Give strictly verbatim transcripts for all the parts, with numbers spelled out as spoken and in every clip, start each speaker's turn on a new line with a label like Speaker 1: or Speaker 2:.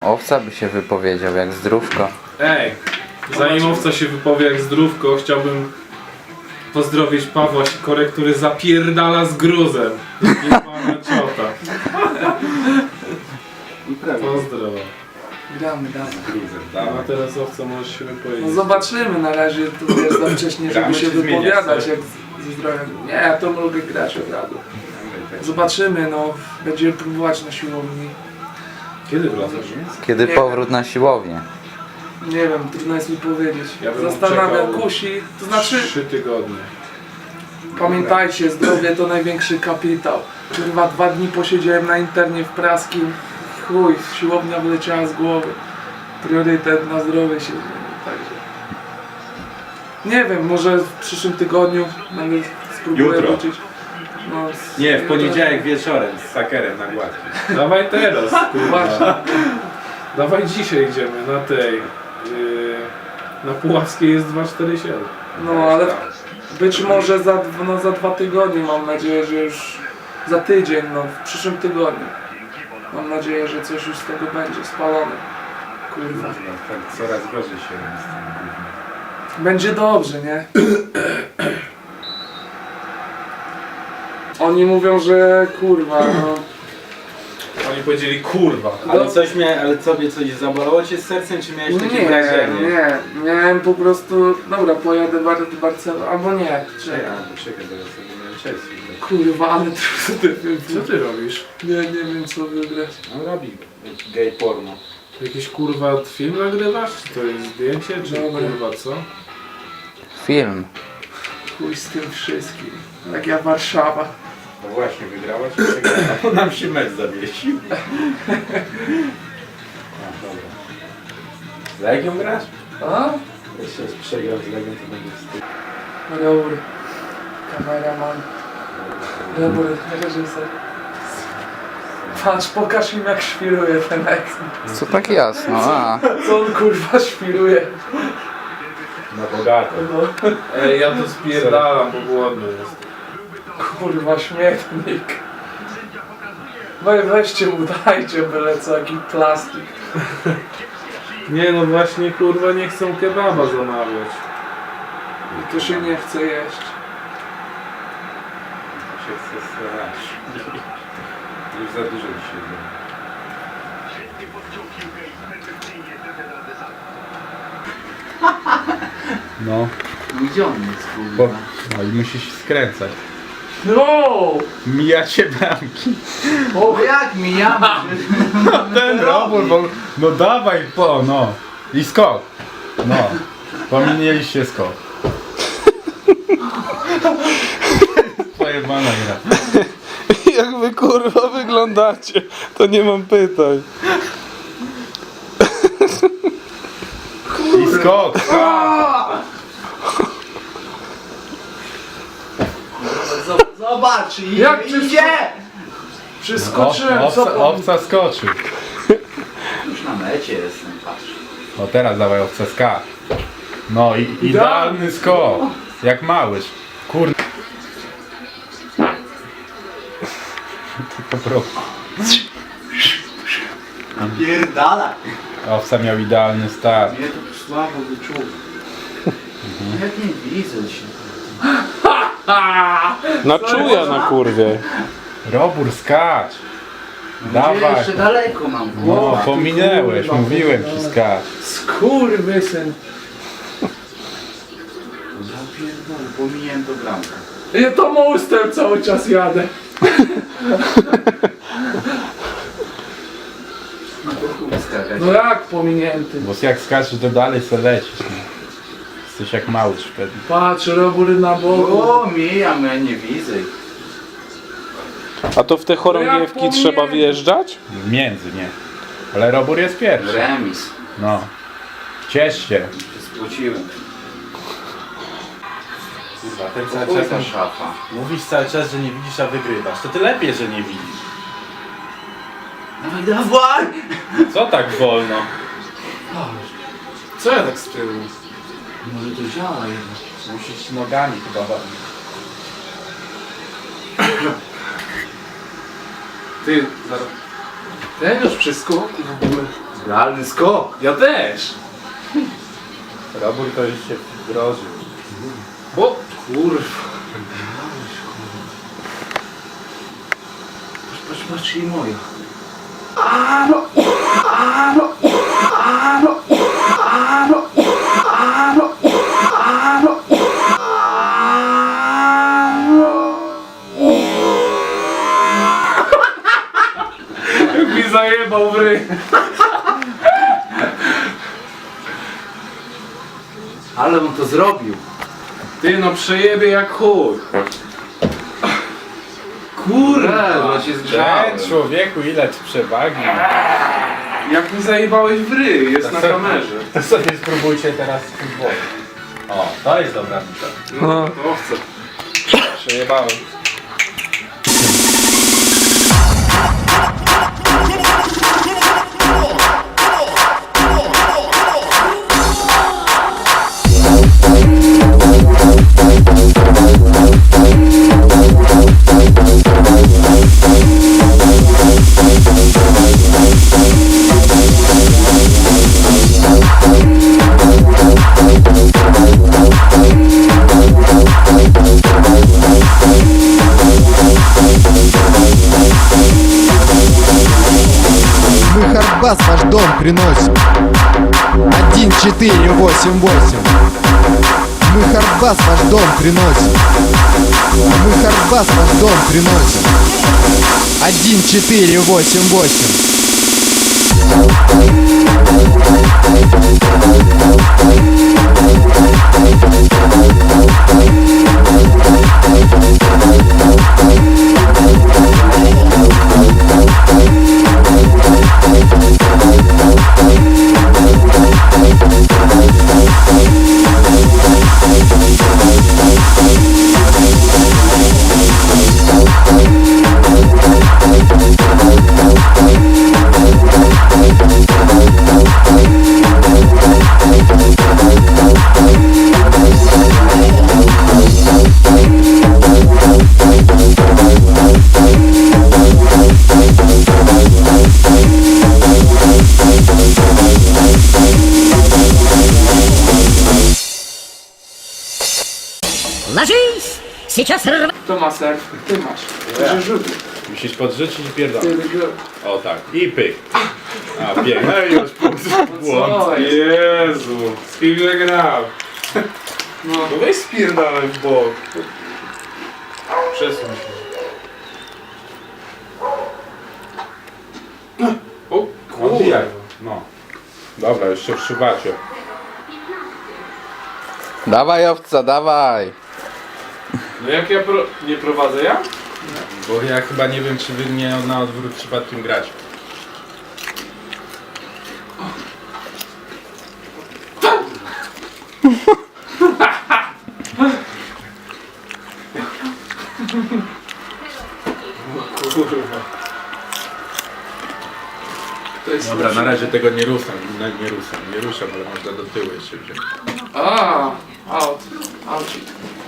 Speaker 1: Owca by się wypowiedział jak zdrówko.
Speaker 2: Ej, zanim Owca się wypowie jak zdrówko, chciałbym pozdrowić Pawła Sikorę, który zapierdala z gruzem. Jebana ciota. Pozdro.
Speaker 3: Gramy, damy.
Speaker 2: A teraz Owca możesz się wypowiedzieć.
Speaker 3: No zobaczymy, na razie tu jest za wcześnie, żeby się wypowiadać jak z- ze zdrowiem. Nie, ja to mogę grać od razu. Zobaczymy, no, będziemy próbować na siłowni.
Speaker 2: Kiedy wracasz?
Speaker 1: Kiedy
Speaker 3: Nie.
Speaker 1: powrót na siłownię?
Speaker 3: Nie wiem, trudno jest mi powiedzieć.
Speaker 2: Ja bym
Speaker 3: Zastanawiam,
Speaker 2: czekał
Speaker 3: kusi, to znaczy,
Speaker 2: Trzy tygodnie.
Speaker 3: pamiętajcie, zdrowie to największy kapitał. Kurwa, dwa dni posiedziałem na internie w praskim, chuj, siłownia wyleciała z głowy. Priorytet na zdrowie się zmienił, także. Nie wiem, może w przyszłym tygodniu nawet spróbuję
Speaker 4: Jutro.
Speaker 3: wrócić. No, z-
Speaker 4: Nie, w poniedziałek wieczorem z sakerem na gładki.
Speaker 2: Dawaj teraz, kurwa.
Speaker 3: Właśnie.
Speaker 2: Dawaj dzisiaj idziemy na tej. Yy, na Puławskiej jest dwa cztery siedem.
Speaker 3: No ale być może za, dw- no, za dwa tygodnie, mam nadzieję, że już za tydzień, no w przyszłym tygodniu. Mam nadzieję, że coś już z tego będzie spalone. Kurwa.
Speaker 4: Tak coraz gorzej się robi z tym gównem.
Speaker 3: Będzie dobrze, nie? Oni mówią, że kurwa, no.
Speaker 2: Oni powiedzieli kurwa.
Speaker 4: Ale coś miałem, ale sobie coś zabolało cię z sercem, czy miałeś takie
Speaker 3: Nie,
Speaker 4: wrażenie?
Speaker 3: nie, miałem po prostu, dobra, pojadę do Barcelony, albo nie,
Speaker 4: Czekaj,
Speaker 3: czekaj.
Speaker 4: albo czekaj, bo ja sobie miałem Chelsea.
Speaker 3: Kurwa, ale trudny
Speaker 2: Co ty robisz?
Speaker 3: Nie, nie wiem co wybrać.
Speaker 4: No robi gay porno.
Speaker 2: Jakiś kurwa film nagrywasz? Czy to jest zdjęcie? Czy
Speaker 3: Dobra.
Speaker 2: kurwa co?
Speaker 1: Film.
Speaker 3: Chuj z tym wszystkim. Jak ja Warszawa.
Speaker 4: No właśnie, wygrała czy przegrała? Bo nam się mecz zawiesił. A, dobra. Z Legią grasz?
Speaker 3: A?
Speaker 4: Jeśli jest przegrał z Legią, to będzie wstyd.
Speaker 3: Dobry. Kameraman. Dobry, reżyser. Patrz, pokaż im jak świruje ten eks.
Speaker 1: Co tak jasno? A.
Speaker 3: Co on kurwa świruje?
Speaker 4: Na bogato.
Speaker 3: No,
Speaker 2: Ej, ja to spierdalam, bo głodny jest.
Speaker 3: kurwa śmietnik. Weź, weźcie mu, dajcie byle co, jaki plastik.
Speaker 2: Nie no właśnie kurwa nie chcą kebaba zamawiać.
Speaker 3: I to się nie chce jeść.
Speaker 4: się chce strzelać. Już za dużo dzisiaj było. No,
Speaker 5: Gdzie on jest,
Speaker 4: bo,
Speaker 5: kurwa?
Speaker 4: no i musisz skręcać.
Speaker 3: No!
Speaker 4: Mijacie bramki.
Speaker 5: O, jak mi ja?
Speaker 4: Ten robór, bo... No dawaj, po, no. I skok. No. Pominęliście skok. Pojebana gra.
Speaker 2: Jak wy kurwa wyglądacie, to nie mam pytań.
Speaker 4: I skok, skok.
Speaker 5: Zobacz, i
Speaker 3: Jak
Speaker 5: idzie!
Speaker 3: Przeskoczyłem,
Speaker 4: Owca,
Speaker 3: co pan?
Speaker 4: owca skoczył.
Speaker 5: Już na mecie jestem, patrz.
Speaker 4: No teraz dawaj owca skacz. No i idealny skok. Jak małyż. Kurde. Tylko pro.
Speaker 5: Pierdala!
Speaker 4: Owca miał idealny start.
Speaker 5: Mnie to słabo wyczuł. Jak nie widzę się.
Speaker 2: Na czuja na kurwie.
Speaker 4: Robór skacz.
Speaker 5: Gdzie
Speaker 4: Dawaj.
Speaker 5: jeszcze daleko mam.
Speaker 4: No,
Speaker 5: kurwa.
Speaker 4: pominęłeś, mówiłem ci skacz.
Speaker 3: Skurwysyn.
Speaker 5: Ja pierdolę, pominiłem to bramkę.
Speaker 3: Ja to mostem cały czas jadę.
Speaker 5: No to chuj skakać.
Speaker 3: No jak pominięty?
Speaker 4: Bo jak skaczesz to dalej se lecisz. No. Jesteś jak małyż wtedy.
Speaker 3: Patrz, robór na boku.
Speaker 5: O, mijam, ja nie widzę.
Speaker 2: A to w te chorągiewki
Speaker 3: Ja
Speaker 2: trzeba
Speaker 3: powiem.
Speaker 2: wjeżdżać?
Speaker 4: Między, nie. Ale robór jest pierwszy.
Speaker 5: Remis.
Speaker 4: No. Ciesz się.
Speaker 5: Się spłociłem.
Speaker 4: Kurwa, ten
Speaker 5: To chuj ta szafa.
Speaker 4: Mówisz cały czas, że nie widzisz, a wygrywasz. To ty lepiej, że nie widzisz.
Speaker 5: Dawaj, dawaj!
Speaker 4: Co tak wolno?
Speaker 3: Co ja tak z tyłu?
Speaker 5: Może to działa jednak.
Speaker 4: Musisz nogami chyba bawić.
Speaker 3: Ty, zaraz. Ten już przy skoku w ogóle.
Speaker 5: Realny skok.
Speaker 2: Ja też.
Speaker 4: Robór to już się wdrożył.
Speaker 2: O,
Speaker 5: Kurwa. Patrz, patrz, patrz i moja.
Speaker 2: jak mi zajebał w ryj.
Speaker 5: Ale on to zrobił.
Speaker 2: Ty no przejebie jak chuj.
Speaker 5: Kurde, no się zgrzałem.
Speaker 4: Ten człowieku, ile ty przewagi.
Speaker 2: Jak mi zajebałeś w ryj, jest na
Speaker 4: To-
Speaker 2: kamerze.
Speaker 4: To sobie spróbujcie teraz z futbolu. O, to jest dobra mita.
Speaker 2: No, to chcę.
Speaker 4: Przejebałem.
Speaker 6: Мы хардбас ваш дом приносим. Один четыре восемь восемь. Мы хардбас ваш дом приносим. Мы хардбас ваш дом приносим. Один четыре восемь восемь.
Speaker 7: Ложись! Сейчас рв...
Speaker 3: Kto ma serw? Ty masz. Ty rzuty.
Speaker 4: Musisz podrzucić i pierdolę.
Speaker 3: Ty go.
Speaker 4: O tak, i pyk. A pięknie, no i już punkt. Błąd.
Speaker 3: Co jest?
Speaker 2: Jezu, z kim ja grał?
Speaker 3: No.
Speaker 2: No weź spierdalaj w bok. Przesuń się. O
Speaker 4: Odbijaj.
Speaker 2: kurwa.
Speaker 4: No. Dobra, jeszcze w szybacie.
Speaker 1: Dawaj owca, dawaj.
Speaker 2: No jak ja pro... nie prowadzę ja?
Speaker 4: Bo ja chyba nie wiem, czy wy mnie na odwrót przypadkiem grać.
Speaker 2: Kurwa.
Speaker 3: To jest
Speaker 4: Dobra, na razie tego nie ruszam, nie, nie ruszam, nie ruszam, ale można do tyłu jeszcze wziąć.
Speaker 3: A, out. Ouchik.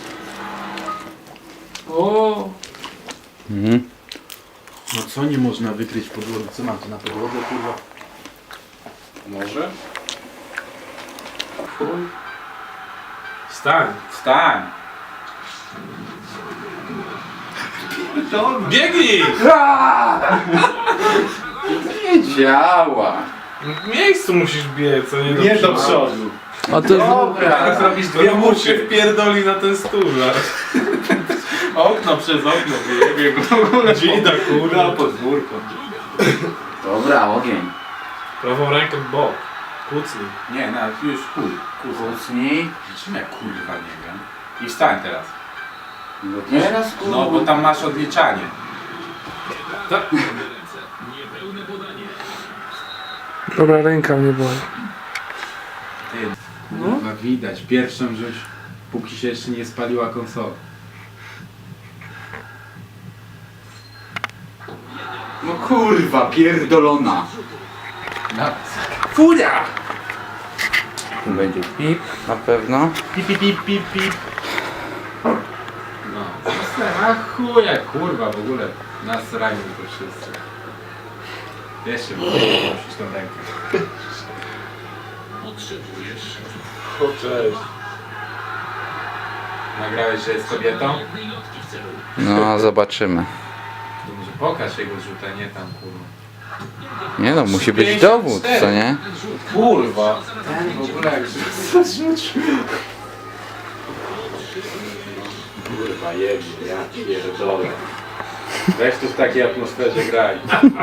Speaker 3: O,
Speaker 1: Mhm.
Speaker 4: No co nie można wykryć podłogi? Co mam tu na podłodze, kurwa?
Speaker 2: Może? Chuj. Stań.
Speaker 4: Wstań!
Speaker 2: Biegnij!
Speaker 5: Nie działa.
Speaker 2: W miejscu musisz biec, a nie do
Speaker 4: Nie do
Speaker 2: przodu.
Speaker 4: przodu.
Speaker 1: O to
Speaker 5: Dobra.
Speaker 4: Zrobisz
Speaker 2: To mu się wpierdoli na ten stół zaraz. Okno przez okno wyjebie go. Dzida kurwa.
Speaker 4: podwórko.
Speaker 5: Dobra, ogień.
Speaker 2: Prawą rękę w bok. Kucnij.
Speaker 4: Nie, na już chuj.
Speaker 5: Kucnij.
Speaker 4: Czym ja kurwa nie wiem. I wstań teraz.
Speaker 5: No teraz kurwa.
Speaker 4: No bo tam masz odliczanie.
Speaker 2: Tak.
Speaker 3: Dobra, ręka mnie boli.
Speaker 4: Ty, kurwa widać. Pierwszą żeś, póki się jeszcze nie spaliła konsola.
Speaker 5: No kurwa, pierdolona.
Speaker 2: Furia!
Speaker 1: tu będzie pip, na pewno.
Speaker 4: Pip, pip, pip, pip, pip. No, a chuja, kurwa, w ogóle nas ranią to wszyscy. Jeszcze musisz tą rękę.
Speaker 2: O, cześć.
Speaker 4: Nagrałeś, że jest kobietą?
Speaker 1: No, zobaczymy.
Speaker 4: To może pokaż jego rzuta, nie tam kurwa.
Speaker 1: Nie no, musi być dowód, co nie?
Speaker 2: Kurwa.
Speaker 4: Ten w ogóle jak rzucił. Kurwa jebie, ja pierdolę. Weź tu w takiej atmosferze graj.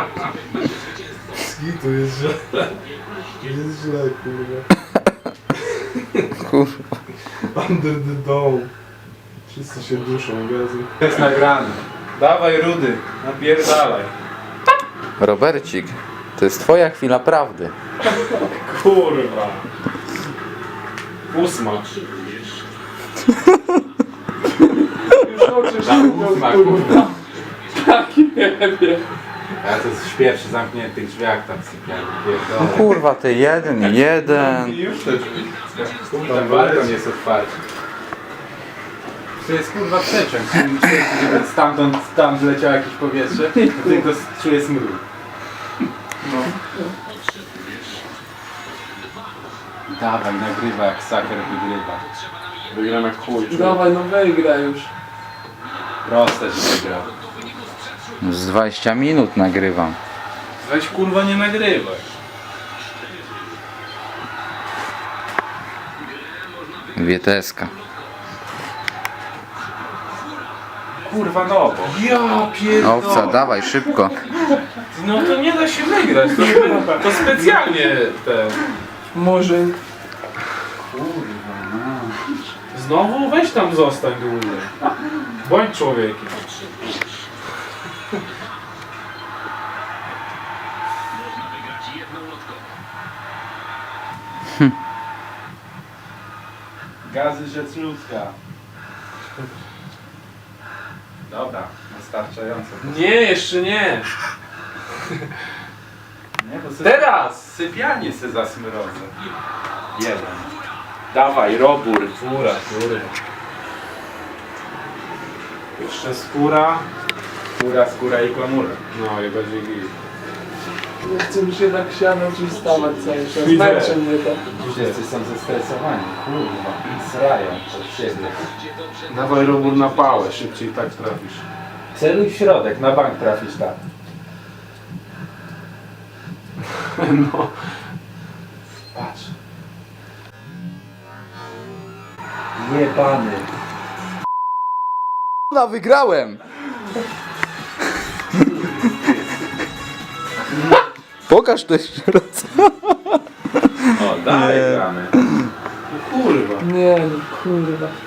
Speaker 2: To jest źle. Jest źle, kurwa.
Speaker 1: Kurwa.
Speaker 2: Under the dome. Wszyscy się duszą, gazu.
Speaker 4: To jest nagrane. Dawaj Rudy, napierdalaj.
Speaker 1: Robercik, to jest twoja chwila prawdy.
Speaker 2: Kurwa. Ósma.
Speaker 3: Już oczy
Speaker 4: Za ósma,
Speaker 3: się
Speaker 4: kurwa.
Speaker 3: Tak nie wiem.
Speaker 4: Ja to śpię przy zamkniętych drzwiach tam sypiam.
Speaker 1: No
Speaker 4: Pierdolę.
Speaker 1: kurwa, ty jeden, jeden.
Speaker 2: I już te drzwi.
Speaker 4: Ten balkon jest otwarty. To jest kurwa przeciąg. Żeby stamtąd tam zleciało jakieś powietrze, to tylko czuję smród.
Speaker 3: No.
Speaker 4: Dawaj, nagrywa jak saker wygrywa.
Speaker 2: Wygram jak chuj.
Speaker 3: Dawaj, no wygraj już.
Speaker 4: Proste, że wygrał.
Speaker 1: Z dwadzieścia minut nagrywam.
Speaker 2: Weź kurwa nie nagrywaj.
Speaker 1: Wieteska.
Speaker 4: Kurwa no bo.
Speaker 2: Ja pierdolę.
Speaker 1: Owca, dawaj, szybko.
Speaker 2: No to nie da się wygrać. To, to specjalnie te.
Speaker 3: Może...
Speaker 2: Znowu weź tam zostań dłużej. Bądź człowiekiem.
Speaker 4: Gazy rzecz ludzka. Dobra, wystarczająco.
Speaker 2: Nie, jeszcze nie.
Speaker 4: Nie, bo sobie
Speaker 2: Teraz!
Speaker 4: sypianie se zasmrodzę. Jeden.
Speaker 2: Dawaj, robór. Fura, fury. Jeszcze skóra.
Speaker 4: Skóra, skóra i klamura.
Speaker 2: No i będzie git.
Speaker 3: Nie chcę mi się tak siano przystawać cały czas.
Speaker 2: Widzę.
Speaker 3: Męczy mnie to.
Speaker 4: Wszyscy są zestresowani. Kurwa, srają od siebie.
Speaker 2: Dawaj robór na pałę, szybciej tak trafisz.
Speaker 4: Celuj w środek, na bank trafisz tak.
Speaker 2: No.
Speaker 4: Patrz. Jebany.
Speaker 1: No, wygrałem! Pokaż to jeszcze raz.
Speaker 4: O, dalej gramy.
Speaker 2: Kurwa.
Speaker 3: Nie no, kurwa.